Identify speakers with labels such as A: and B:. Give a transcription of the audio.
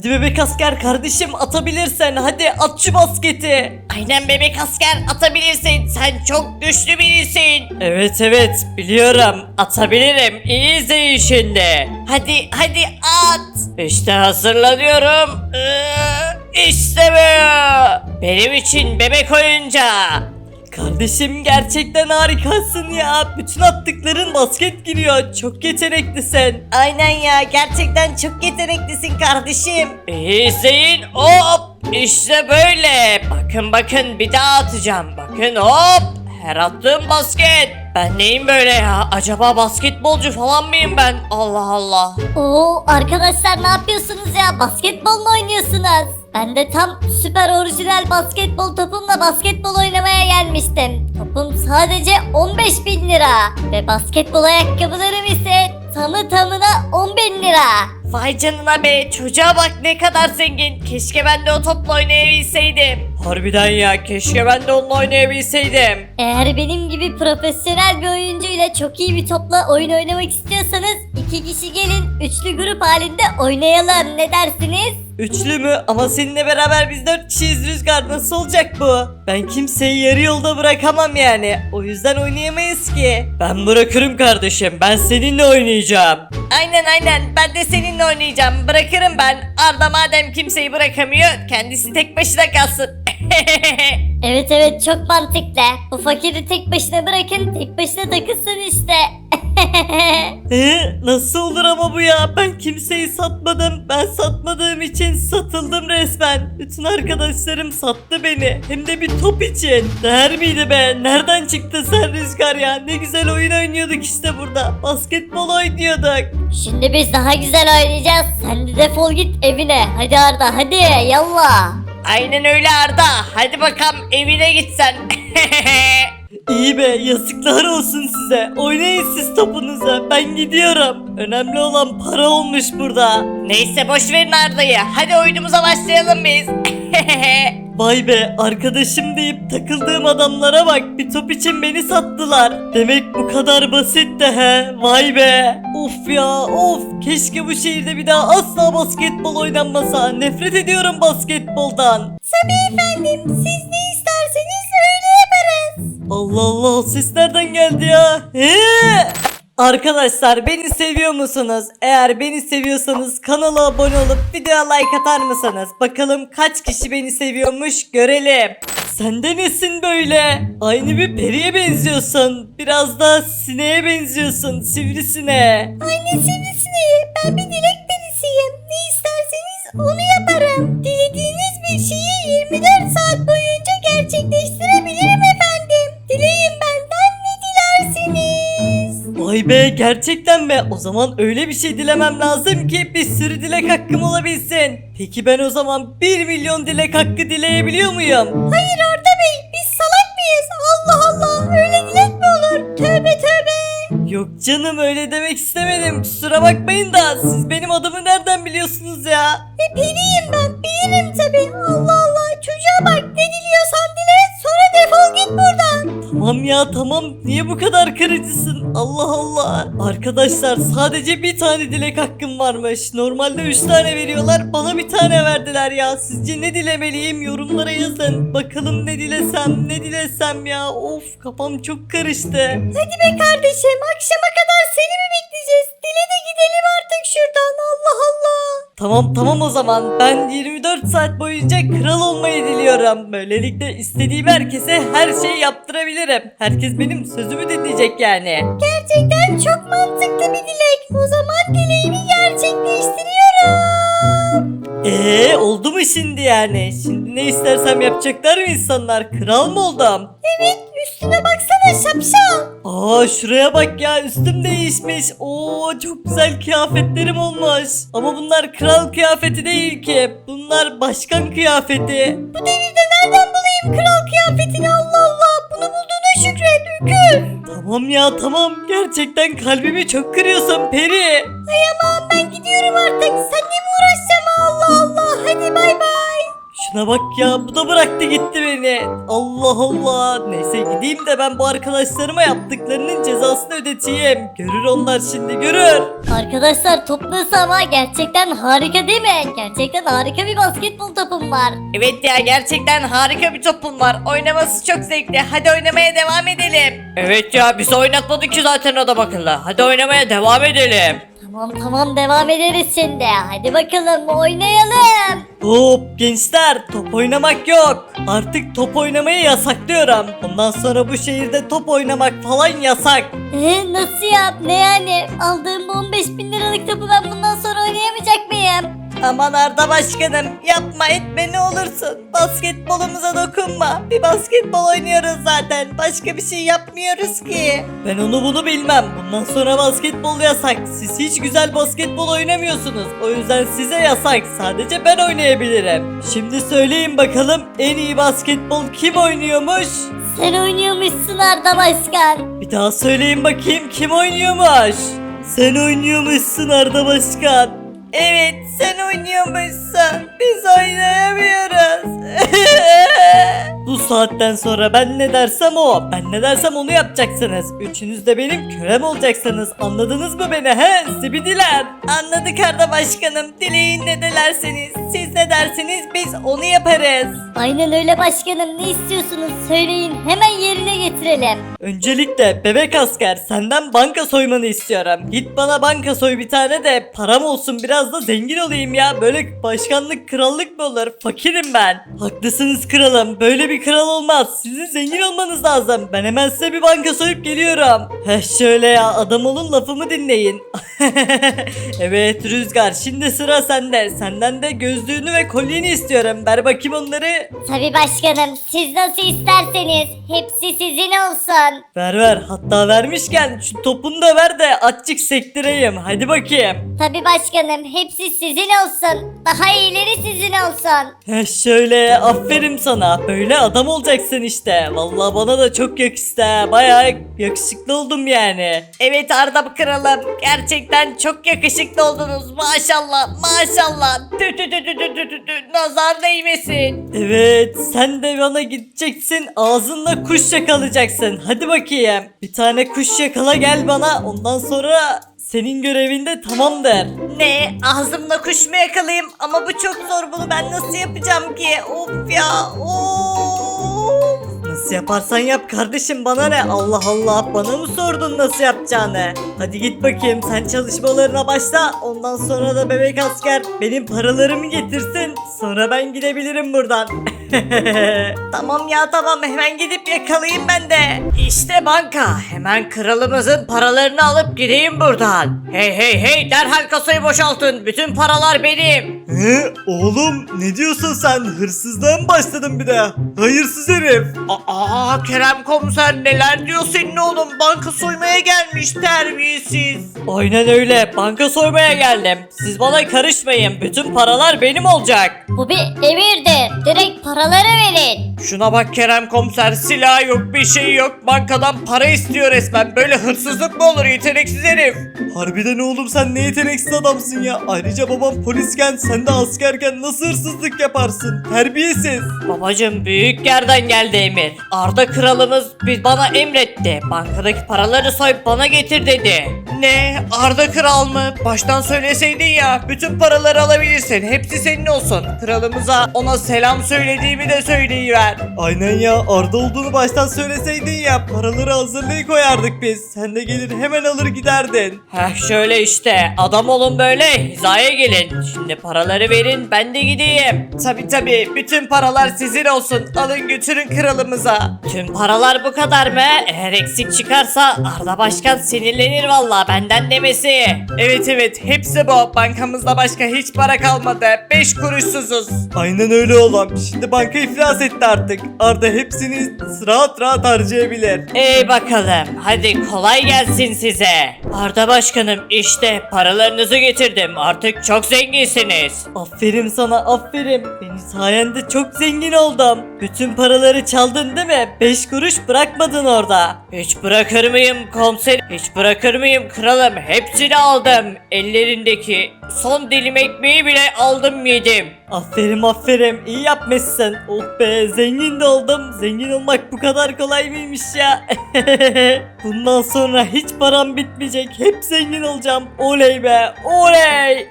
A: Hadi bebek asker kardeşim, atabilirsen hadi at şu basketi.
B: Aynen bebek asker, atabilirsin. Sen çok güçlü birisin.
A: Evet biliyorum, atabilirim. İyi izleyin şimdi.
B: Hadi at.
A: İşte hazırlanıyorum.
B: İşte bu. Benim için bebek oyuncağı.
A: Kardeşim gerçekten harikasın ya. Bütün attıkların basket giriyor. Çok yeteneklisin.
B: Aynen ya, gerçekten çok yeteneklisin kardeşim.
A: İyi izleyin. Hop. İşte böyle. Bakın bir daha atacağım. Bakın hop. Her attığım basket. Ben neyim böyle ya? Acaba basketbolcu falan mıyım ben? Allah Allah.
C: Oo arkadaşlar, ne yapıyorsunuz ya? Basketbol mu oynuyorsunuz? Ben de tam süper orijinal basketbol topumla basketbol oynamaya gelmiştim. Topum sadece 15.000 lira. Ve basketbol ayakkabılarım ise tamına 10.000 lira.
B: Vay canına be, çocuğa bak ne kadar zengin. Keşke ben de o topla oynayabilseydim.
A: Harbiden ya, keşke ben de onunla oynayabilseydim.
C: Eğer benim gibi profesyonel bir oyuncuyla çok iyi bir topla oyun oynamak istiyorsanız 2 kişi gelin, üçlü grup halinde oynayalım, ne dersiniz?
A: Üçlü mü? Ama seninle beraber biz 4 kişiyiz Rüzgar, nasıl olacak bu? Ben kimseyi yarı yolda bırakamam yani. O yüzden oynayamayız ki. Ben bırakırım kardeşim, ben seninle oynayacağım.
B: Aynen ben de seninle oynayacağım. Bırakırım ben. Arda madem kimseyi bırakamıyor, kendisi tek başına kalsın.
C: Evet çok mantıklı. Bu fakiri tek başına bırakın, tek başına takılsın işte.
A: Nasıl olur ama bu ya? Ben kimseyi satmadım. Ben satmadığım için satıldım resmen. Bütün arkadaşlarım sattı beni. Hem de bir top için. Değer miydi be? Nereden çıktı sen Rüzgar ya? Ne güzel oyun oynuyorduk işte burada. Basketbol oynuyorduk.
C: Şimdi biz daha güzel oynayacağız. Sen de defol git evine. Hadi Arda, hadi yallah.
B: Aynen öyle Arda. Hadi bakalım evine gitsen.
A: İyi be, yazıklar olsun size. Oynayın siz topunuza. Ben gidiyorum. Önemli olan para olmuş burada.
B: Neyse boş verin Arda'yı. Hadi oyunumuza başlayalım biz.
A: Vay be, arkadaşım deyip takıldığım adamlara bak, bir top için beni sattılar. Demek bu kadar basitti he. Vay be. Of ya of, keşke bu şehirde bir daha asla basketbol oynanmasa. Nefret ediyorum basketboldan.
C: Tabii efendim, siz ne isterseniz öyle yaparız.
A: Allah Allah, o ses nereden geldi ya? Arkadaşlar, beni seviyor musunuz? Eğer beni seviyorsanız kanala abone olup videoya like atar mısınız? Bakalım kaç kişi beni seviyormuş, görelim. Sen de nesin böyle? Aynı bir periye benziyorsun. Biraz da sineğe benziyorsun, sivrisineğe.
C: Anne sivrisineği, ben bir dilek perisiyim. Ne isterseniz onu yaparım. Dilediğiniz bir şeyi 24 saat boyunca gerçekleştirebilirim efendim. Dileyin benden ne dilersiniz?
A: Vay be, gerçekten mi? O zaman öyle bir şey dilemem lazım ki bir sürü dilek hakkım olabilsin. Peki ben o zaman 1 milyon dilek hakkı dileyebiliyor muyum?
C: Hayır Arda Bey, biz salak mıyız? Allah Allah, öyle dilek mi olur? Tövbe.
A: Yok canım, öyle demek istemedim. Kusura bakmayın da siz benim adımı nereden biliyorsunuz ya?
C: Periyim ben, bilirim tabii. Allah Allah, çocuğa bak, ne diliyorsan dile, sonra defol git buradan.
A: Tamam ya tamam, niye bu kadar kırıcısın? Allah Allah. Arkadaşlar, sadece bir tane dilek hakkım varmış. Normalde 3 tane veriyorlar, bana bir tane verdiler ya. Sizce ne dilemeliyim? Yorumlara yazın. Bakalım ne dilesem ya. Of, kafam çok karıştı.
C: Hadi be kardeşim, akşama kadar seni mi bekleyeceğiz? Dile de gidelim artık şuradan, Allah Allah.
A: Tamam o zaman, ben 24 saat boyunca kral olmayı diliyorum. Böylelikle istediğim herkese her şeyi yaptırabilirim. Herkes benim sözümü dinleyecek yani.
C: Gerçekten çok mantıklı bir dilek. O zaman dileğimi gerçekleştiriyorum.
A: Oldu mu şimdi yani? Şimdi ne istersem yapacaklar mı insanlar? Kral mı oldum?
C: Evet, üstüne baksana şapşal.
A: Şuraya bak ya, üstüm değişmiş. Çok güzel kıyafetlerim olmuş. Ama bunlar kral kıyafeti değil ki. Bunlar başkan kıyafeti.
C: Bu devirde nereden bulayım kral kıyafetini, Allah Allah. Bunu bulduğuna şükret, Ükür.
A: Tamam ya tamam. Gerçekten kalbimi çok kırıyorsun Peri.
C: Ay aman, ben gidiyorum artık. Seninle mi uğraşacağım, Allah Allah. Hadi bay bay.
A: Şuna bak ya, bu da bıraktı gitti beni. Allah Allah. Neyse gideyim de ben bu arkadaşlarıma yaptıklarının cezasını ödeteyim. Görür onlar şimdi, görür.
C: Arkadaşlar toplu ama gerçekten harika değil mi? Gerçekten harika bir basketbol topum var.
B: Evet ya, gerçekten harika bir topun var. Oynaması çok zevkli. Hadi oynamaya devam edelim. Evet ya, bizi oynatmadı ki zaten adam akıllı. Hadi oynamaya devam edelim.
C: Tamam devam ederiz şimdi. Hadi bakalım oynayalım.
A: Hop gençler, top oynamak yok. Artık top oynamayı yasaklıyorum. Bundan sonra bu şehirde top oynamak falan yasak.
C: Nasıl ya? Ne yani? Aldığım bu 15.000 liralık topu ben bundan sonra oynayamayacak mıyım?
B: Aman Arda Başkanım, yapma etme ne olursun. Basketbolumuza dokunma. Bir basketbol oynuyoruz zaten. Başka bir şey yapmıyoruz ki.
A: Ben onu bunu bilmem. Bundan sonra basketbol yasak. Siz hiç güzel basketbol oynamıyorsunuz. O yüzden size yasak. Sadece ben oynayabilirim. Şimdi söyleyin bakalım, en iyi basketbol kim oynuyormuş?
C: Sen oynuyormuşsun Arda Başkan.
A: Bir daha söyleyin bakayım, kim oynuyormuş? Sen oynuyormuşsun Arda Başkan.
B: Evet, sen oynuyormuşsun. Biz oynayamıyoruz.
A: Bu saatten sonra ben ne dersem o. Ben ne dersem onu yapacaksınız. Üçünüz de benim kölem olacaksınız. Anladınız mı beni he? Zibidiler.
B: Anladık Arda Başkanım. Dileyin ne dilerseniz. Siz ne derseniz biz onu yaparız.
C: Aynen öyle başkanım. Ne istiyorsunuz söyleyin. Hemen yerine getirelim.
A: Öncelikle bebek asker, senden banka soymanı istiyorum. Git bana banka soy bir tane de param olsun, biraz da zengin olayım ya. Böyle başkanlık krallık mı olur? Fakirim ben. Haklısınız kralım. Böyle bir kral olmaz. Sizin zengin olmanız lazım. Ben hemen size bir banka soyup geliyorum. Heh şöyle ya, adam olun, lafımı dinleyin. Evet Rüzgar, şimdi sıra sende. Senden de gözlüğünü ve kolyeni istiyorum. Ver bakayım onları.
C: Tabii başkanım. Siz nasıl isterseniz. Hepsi sizin olsun.
A: Ver. Hatta vermişken şu topunu da ver de açık sektireyim. Hadi bakayım.
C: Tabii başkanım. Hepsi sizin olsun. Daha iyileri sizin olsun.
A: Heh şöyle, aferin sana. Böyle adam olacaksın işte. Vallahi bana da çok yakıştı ha. Bayağı yakışıklı oldum yani.
B: Evet Arda Kralım. Gerçekten çok yakışıklı oldunuz. Maşallah maşallah. Tü tü tü tü tü tü tü tü. Nazar değmesin.
A: Evet, sen de bana gideceksin, ağzınla kuş yakalayacaksın. Hadi bakayım. Bir tane kuş yakala gel bana. Ondan sonra senin görevin de tamamdır.
B: Ne? Ağzımla kuş mu yakalayayım? Ama bu çok zor, bunu ben nasıl yapacağım ki? Of ya. Of.
A: Nasıl yaparsan yap kardeşim, bana ne? Allah Allah, bana mı sordun nasıl yapacağını? Hadi git bakayım, sen çalışmalarına başla. Ondan sonra da bebek asker benim paralarımı getirsin. Sonra ben gidebilirim buradan.
B: Tamam ya tamam, hemen gidip yakalayayım ben de. İşte banka. Hemen kralımızın paralarını alıp gideyim buradan. Hey derhal kasayı boşaltın. Bütün paralar benim.
A: Oğlum ne diyorsun sen? Hırsızlığa mı başladın bir de? Hayırsız herif.
B: Aa Kerem komiser, neler diyor senin oğlum? Banka soymaya gelmiş, terbiyesiz.
A: Aynen öyle, banka soymaya geldim. Siz bana karışmayın, bütün paralar benim olacak.
C: Bu bir emirdir. Direkt paraları verin.
B: Şuna bak Kerem komiser, silah yok bir şey yok, bankadan para istiyor resmen. Böyle hırsızlık mı olur, yeteneksiz herif.
A: Harbiden oğlum, sen ne yeteneksiz adamsın ya. Ayrıca babam polisken, sen de askerken nasıl hırsızlık yaparsın? Terbiyesiz.
B: Babacım, büyük yerden geldi emir. Arda kralımız bana emretti. Bankadaki paraları soyup bana getir dedi. Ne? Arda kral mı? Baştan söyleseydin ya. Bütün paraları alabilirsin. Hepsi senin olsun. Kralımıza ona selam söylediğimi de söyleyiver.
A: Aynen ya, Arda olduğunu baştan söyleseydin ya. Paraları hazırlayıp koyardık biz. Sen de gelir hemen alır giderdin.
B: Heh şöyle işte. Adam olun böyle. Hizaya gelin. Şimdi paraları verin, ben de gideyim. Tabi bütün paralar sizin olsun. Alın götürün kralımıza. Tüm paralar bu kadar mı? Eğer eksik çıkarsa Arda Başkan sinirlenir valla, benden demesi. Evet hepsi bu. Bankamızda başka hiç para kalmadı. 5 kuruşsuzuz.
A: Aynen öyle oğlum. Şimdi banka iflas etti artık. Arda hepsini rahat rahat harcayabilir.
B: Ey bakalım, hadi kolay gelsin size. Arda Başkanım, işte paralarınızı getirdim. Artık çok zenginsiniz.
A: Aferin sana, aferin. Benim sayende çok zengin oldum. Bütün paraları çaldın değil mi? 5 kuruş bırakmadın orada.
B: Hiç bırakır mıyım komiserim? Hiç bırakır mıyım kralım? Hepsini aldım. Ellerindeki Son dilim ekmeği bile aldım yedim.
A: Aferin iyi yapmışsın. Oh be zengin de oldum. Zengin olmak bu kadar kolay mıymış ya? Bundan sonra hiç param bitmeyecek. Hep zengin olacağım. Oley be oley.